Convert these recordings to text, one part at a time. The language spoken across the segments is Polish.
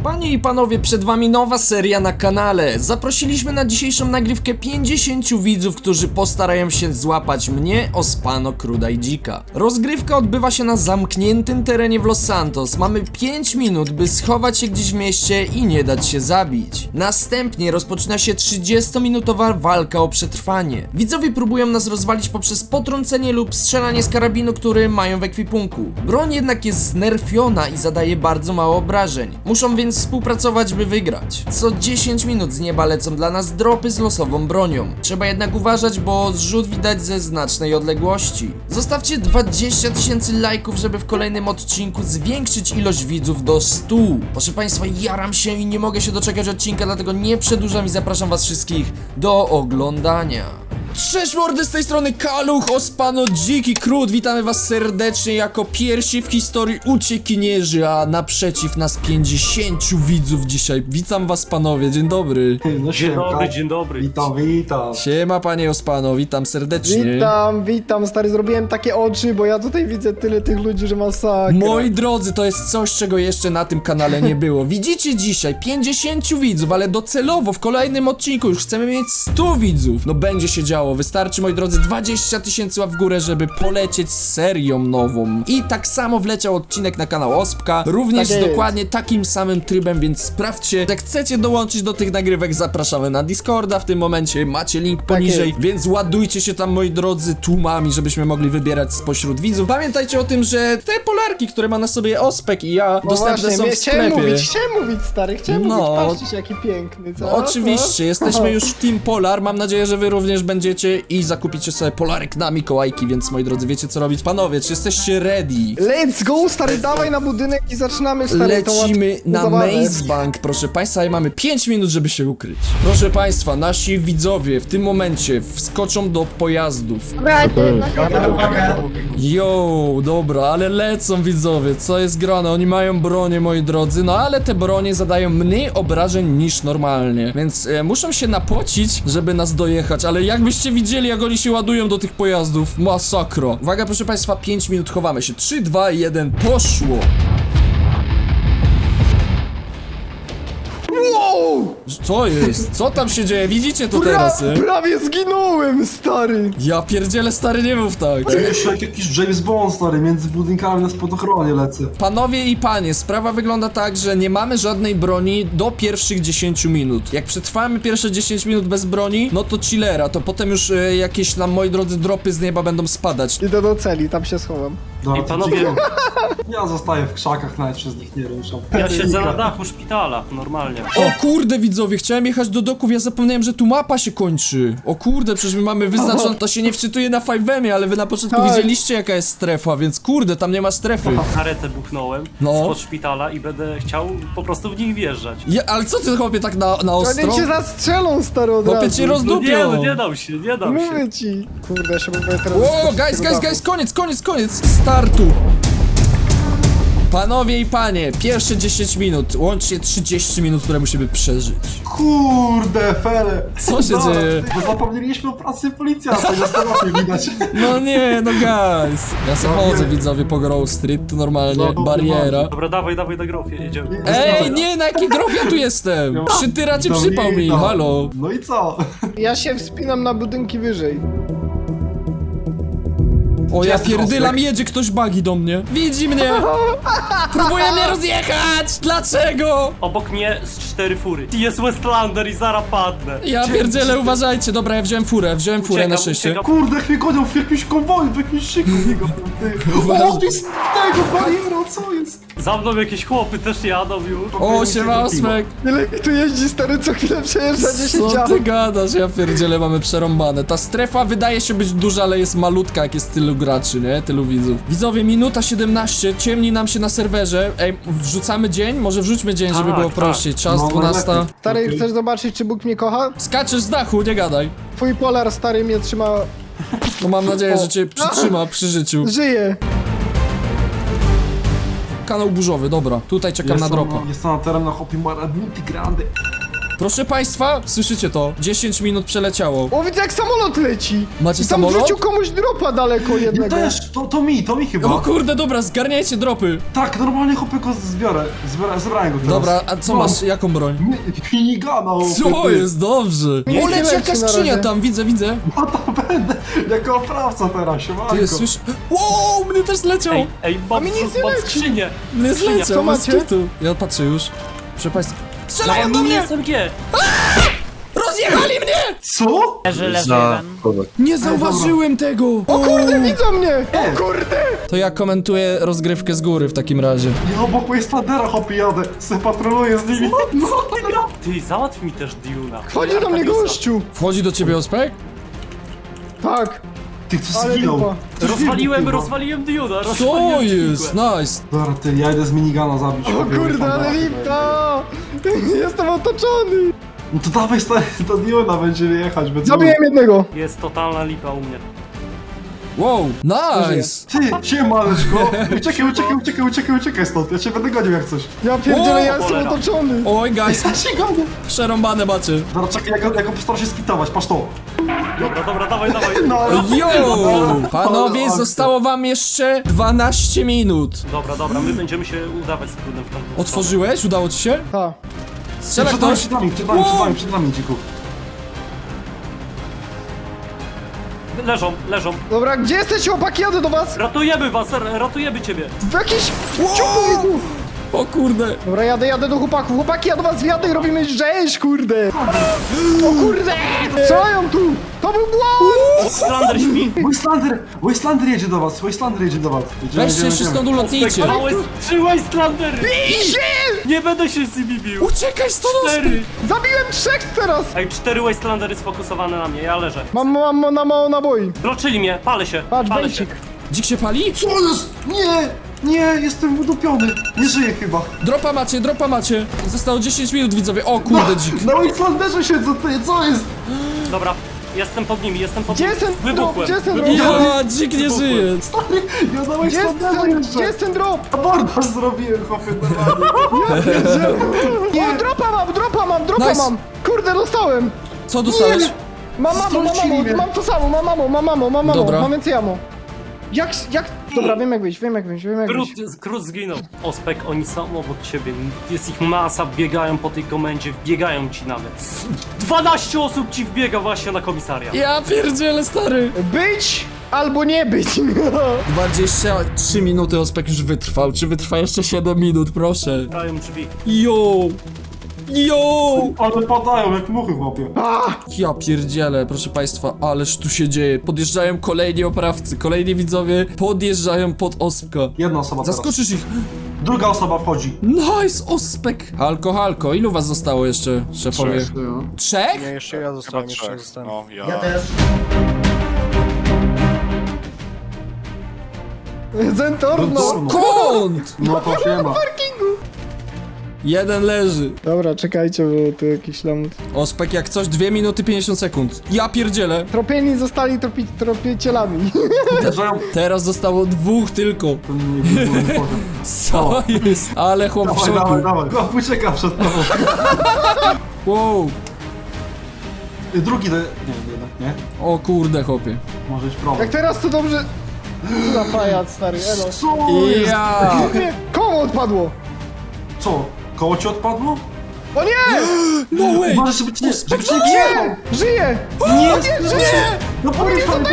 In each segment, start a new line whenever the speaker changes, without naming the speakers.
Panie i panowie, przed wami nowa seria na kanale. Zaprosiliśmy na dzisiejszą nagrywkę 50 widzów, którzy postarają się złapać mnie, Ospano, Kruda i Dzika. Rozgrywka odbywa się na zamkniętym terenie w Los Santos. Mamy 5 minut, by schować się gdzieś w mieście i nie dać się zabić. Następnie rozpoczyna się 30-minutowa walka o przetrwanie. Widzowie próbują nas rozwalić poprzez potrącenie lub strzelanie z karabinu, który mają w ekwipunku. Broń jednak jest znerfiona i zadaje bardzo mało obrażeń. Muszą więc współpracować, by wygrać. Co 10 minut z nieba lecą dla nas dropy z losową bronią. Trzeba jednak uważać, bo zrzut widać ze znacznej odległości. Zostawcie 20 000 lajków, żeby w kolejnym odcinku zwiększyć ilość widzów do 100. Proszę państwa, jaram się i nie mogę się doczekać odcinka, dlatego nie przedłużam i zapraszam was wszystkich do oglądania. Cześć mordy, z tej strony Kaluch, Ospano, Dziki, Krud. Witamy was serdecznie jako pierwsi w historii uciekinierzy, a naprzeciw nas 50 widzów dzisiaj. Witam was panowie, dzień dobry.
No
Dzień dobry, dzień dobry.
Witam.
Siema panie Ospano, witam serdecznie.
Witam, stary, zrobiłem takie oczy, bo ja tutaj widzę tyle tych ludzi, że masakra.
Moi drodzy, to jest coś, czego jeszcze na tym kanale nie było. Widzicie dzisiaj 50 widzów, ale docelowo w kolejnym odcinku już chcemy mieć 100 widzów. No będzie się działo. Wystarczy, moi drodzy, 20 000 łap w górę, żeby polecieć z serią nową. I tak samo wleciał odcinek na kanał Ospka, również
Tak jest.
dokładnie takim samym trybem, więc sprawdźcie. Jak chcecie dołączyć do tych nagrywek, zapraszamy na Discorda. W tym momencie macie link poniżej,
jest.
więc ładujcie się tam, moi drodzy, tłumami, żebyśmy mogli wybierać spośród widzów. Pamiętajcie o tym, że te polarki, które ma na sobie Ospek i ja,
No
dostępne
właśnie,
są w
chciałem
sklepie.
mówić, stary, chciałem
No.
mówić, patrzcie jaki piękny, co?
Oczywiście, jesteśmy już w Team Polar, mam nadzieję, że wy również będziecie i zakupicie sobie polarek na Mikołajki, więc moi drodzy, wiecie co robić. Panowie, czy jesteście ready?
Let's go, stary, dawaj na budynek i zaczynamy, stary,
Lecimy
tą
na
zabawę.
Maze Bank, proszę państwa, i mamy 5 minut, żeby się ukryć. Proszę państwa, nasi widzowie w tym momencie wskoczą do pojazdów. Yo, dobra, ale lecą widzowie, co jest grane? Oni mają bronię, moi drodzy, no ale te bronie zadają mniej obrażeń niż normalnie, więc muszą się napocić, żeby nas dojechać, ale jakbyście widzieli, jak oni się ładują do tych pojazdów, masakra. Uwaga, proszę państwa, 5 minut, chowamy się, 3, 2, 1, poszło!
Wow!
Co jest? Co tam się dzieje? Widzicie to teraz,
Prawie zginąłem, stary!
Ja pierdzielę, stary, nie mów tak.
Jeszcze jak jakiś James Bond, stary, między budynkami na spadochronie lecę.
Panowie i panie, sprawa wygląda tak, że nie mamy żadnej broni do pierwszych 10 minut. Jak przetrwamy pierwsze 10 minut bez broni, no to chillera, to potem już jakieś nam, moi drodzy, dropy z nieba będą spadać.
Idę do celi, tam się schowam.
No,
I panowie,
ja zostaję w krzakach, nawet przez nich nie ruszam.
ja siedzę na dachu szpitala, normalnie.
O kurde, widzowie, chciałem jechać do doków, ja zapomniałem, że tu mapa się kończy. O kurde, przecież my mamy wyznaczone, to się nie wczytuje na 5M, ale wy na początku
Tak.
widzieliście, jaka jest strefa, więc kurde, tam nie ma strefy.
Karetę buchnąłem
No.
spod szpitala i będę chciał po prostu w nich wjeżdżać.
Ale co ty, chłopie, tak na ostro?
Oni cię zastrzelą, stary, od
Chłopie,
razu.
cię rozdupią.
No nie dam się, nie dam się.
Mówię ci. Kurde, ja się próbuję teraz...
O,
wyskoczyć
guys,
tego dachu.
koniec startu! Panowie i panie, pierwsze 10 minut, łącznie 30 minut, które musimy przeżyć.
Kurde, fele.
Co się dzieje?
Bo zapomnieliśmy o pracy policjanta, na stanowie widać.
No nie, no guys. Ja se chodzę, widzowie, po Grove Street, tu normalnie
No,
bariera.
Dobra, dawaj na grofie, jedziemy.
Ej, nie, na jaki grove ja tu jestem? Przytyracie
To
przypał mi,
witam.
halo.
No i co?
Ja się wspinam na budynki wyżej.
O, ja
Jest
pierdylam,
Ospek.
jedzie ktoś bagi do mnie. Widzi mnie. Próbuje mnie rozjechać. Dlaczego?
Obok mnie z 4 fury. Jest Westlander i zaraz padnę.
Ja pierdzielę, uważajcie. Dobra, ja wziąłem furę na
Uciekam,
szczęście.
uciekam.
Kurde, jak mnie gonią w jakimś konwoju, w jakimś szyku biegam, ty. O, ty z tego bariero, co jest?
Za mną jakieś chłopy też jadą już.
O, siema, Ospek.
Ile tu jeździ, stary, co chwilę przejeżdża 10
Co
aut.
ty gadasz? Ja pierdzielę, mamy przerąbane. Ta strefa wydaje się być duża, ale jest malutka, jak jest tylu graczy, nie? Tylu widzów. Widzowie, minuta 17, ciemni nam się na serwerze. Ej, wrzucamy dzień? Może wrzućmy dzień, żeby
Tak,
było
tak.
prościej. Czas
No,
12.
najlepiej.
Stary, chcesz zobaczyć, czy Bóg mnie kocha?
Skaczesz z dachu, nie gadaj.
Twój polar, stary, mnie trzyma...
No mam nadzieję, że cię przytrzyma przy życiu.
Żyje.
Kanał burzowy, dobra. Tutaj czekam na dropa.
Jest na terenach Opimara Multigrande.
Proszę państwa, słyszycie to? 10 minut przeleciało.
O, widzę jak samolot leci.
Macie
I tam
samolot?
wrzucił komuś dropa daleko
Ja
jednego.
też, to mi chyba.
O kurde, dobra, zgarniajcie dropy.
Tak, normalnie chłopie go zebrałem go teraz.
Dobra, a co
No.
masz, jaką broń?
Minigana,
Co jest? Dobrze.
Nie
O, leci
leci
jakaś
na
skrzynia
razie.
tam, widzę.
No to będę jako oprawca teraz, siemanko.
Ty słyszysz? Wow, mnie też zleciał.
Ej, mam
mi nic nie
mam
leci.
skrzynię.
Mnie
Skrzynia.
zleciał,
Co
bez
macie?
kitu. Ja patrzę już. Proszę państwa. Strzelają
Dawaj
do
mi
mnie!
SMG.
Rozjechali mnie!
Co?
Nie zauważyłem tego!
O kurde, widzą mnie!
Ej.
O kurde!
To ja komentuję rozgrywkę z góry w takim razie.
Ja obok Wastelandera hopie jadę, se patroluję z nimi. No.
Ty, załatw mi też Duna.
Chodzi do mnie gościu!
Wchodzi do ciebie ospek?
Tak,
Ty, ktoś
ale
zginął.
dupa.
Ktoś
Rozwaliłem
wybuchł
Duna.
Co jest? Nice.
chyba. Dobra, ty, ja idę z minigana zabić.
O
chłopie
kurde, ale
Wastelandera.
lipta! Jestem otoczony!
No to dawaj stary, do Duna będziemy jechać, będzie.
Zabiłem jednego!
Jest totalna lipa u mnie.
Wow, nice.
Ty, siemaneczko. Uciekaj stąd, ja cię będę gonił jak coś.
Ja pierdzielę, ja jestem
cholera.
otoczony!
Oj, guys,
Ja się gonię.
przerąbane macie.
Dobra, czekaj, ja go postaram się spitować, patrz to.
Dobra, dawaj.
No,
Yo! Panowie,
Ale
zostało wam jeszcze 12 minut.
Dobra, my będziemy się udawać z trudem w tamtą stronę.
Otworzyłeś? Udało ci się?
Ta.
Strzela
przed nami,
ktoś?
przed nami, dziku.
Leżą.
Dobra, gdzie jesteście chłopaki? Jadę do was!
Ratujemy was, ratujemy ciebie.
W jakiś... ciuchu mi tu!
O kurde.
Dobra, jadę do chłopaków. Chłopaki, ja do was wjadę i robimy rzeź, kurde! O kurde! Co mają tu? To był błąd!
Slander śpi.
Wastelandер jedzie do was, Jedziemy,
Weźcie się stąd ulotnijcie.
Małe 3 Wastelandery. Nie będę się z nimi bił.
Uciekaj stąd!
4.
Zabiłem 3 teraz!
Ej, 4 Wastelandery sfokusowane na mnie, ja leżę.
Mam na mało naboi.
Bloczyli mnie, palę się.
Patrz,
palę
bejcik.
Dzik się pali?
Co jest? Nie, jestem udupiony. Nie żyję chyba.
Dropa macie. Zostało 10 minut, widzowie. O kurde, dzik.
Na Wastelanderze siedzę, ty, co jest?
Dobra, jestem pod nimi.
Gdzie jest ten drop?
Wybuchłem.
Gdzie jest ten drop?
Ja, dzik nie żyje.
Stary, ja na
Gdzie jest
Wastelanderze
ten,
jeszcze.
gdzie jest ten drop?
Abordaż zrobiłem, chłopie, normalnie.
O, dropa mam!
Nice.
mam! Kurde, dostałem!
Co dostałeś?
Mam
Strącili mnie.
mam to samo, mam
Dobra.
mam więcej ammo. Jak... Dobra, wiem jak wyjść.
Krót zginął. Ospek, oni są obok ciebie. Jest ich masa, biegają po tej komendzie, wbiegają ci nawet. 12 osób ci wbiega właśnie na komisariat.
Ja pierdzielę, stary.
Być albo nie być.
23 minuty ospek już wytrwał. Czy wytrwa jeszcze 7 minut, proszę?
Grają drzwi.
Yo!
Ale padają jak muchy, chłopie.
Ja pierdzielę, proszę państwa, ależ tu się dzieje. Podjeżdżają kolejni oprawcy, kolejni widzowie podjeżdżają pod ospka.
Jedna osoba teraz.
Zaskoczysz ich.
Druga osoba wchodzi.
Nice, ospek. Halko, ilu was zostało jeszcze, szefowie? Trzech?
Nie, jeszcze ja zostałem, jeszcze ja zostałem.
No, ja.
Zentorno.
Kąt!
No to się ma.
Jeden leży.
Dobra, czekajcie, bo tu jakiś lamut.
Ospek jak coś, 2 minuty 50 sekund. Ja pierdzielę.
Tropieni zostali tropicielami.
Wjeżdżają.
Teraz zostało 2 tylko.
Nie powiem.
Co jest? Ale chłop w szoku.
Dawaj. Chłop ucieka przed tobą.
Wow.
Drugi to... Nie, jednak nie.
O kurde, chłopie.
Może być problem.
Jak teraz to dobrze... Co za pajac, stary, elo.
Co jest?
Ja.
Nie, komu odpadło?
Co? Koło ci odpadło?
O nie!
No way.
Uważaj, żeby cię nie
Nie! Żyje!
Nie,
Żyje!
No powiedz pan,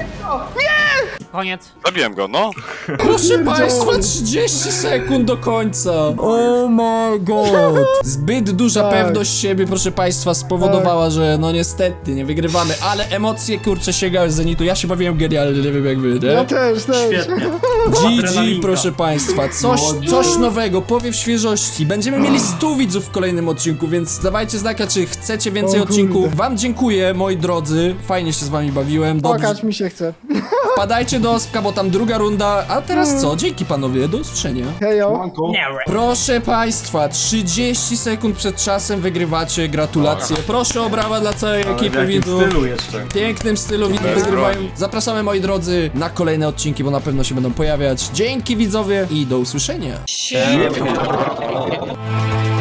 Zabiłem go, no.
Proszę państwa, 30 sekund do końca. Oh my god. Zbyt duża
Tak.
pewność siebie, proszę państwa, spowodowała, że no niestety nie wygrywamy, ale emocje kurczę sięgały z zenitu. Ja się bawiłem genialnie, nie wiem jak wy,
Ja
nie?
też.
Świetnie.
GG,
Adrenalinka.
proszę państwa, coś nowego, powiew świeżości. Będziemy mieli 100 widzów w kolejnym odcinku, więc dawajcie znaka, czy chcecie więcej
O kurde.
odcinków. Wam dziękuję, moi drodzy, fajnie się z wami bawiłem. Dobrze.
Płakać mi się chce.
Wpadajcie do Ospka, bo tam druga runda. A teraz co? Dzięki panowie, do usłyszenia.
Hejo.
Manko.
Proszę państwa, 30 sekund przed czasem wygrywacie, gratulacje. Proszę o brawa dla całej ekipy widzów. W pięknym stylu widzów
Bez
wygrywają.
broni.
Zapraszamy moi drodzy na kolejne odcinki, bo na pewno się będą pojawiać. Dzięki widzowie i do usłyszenia.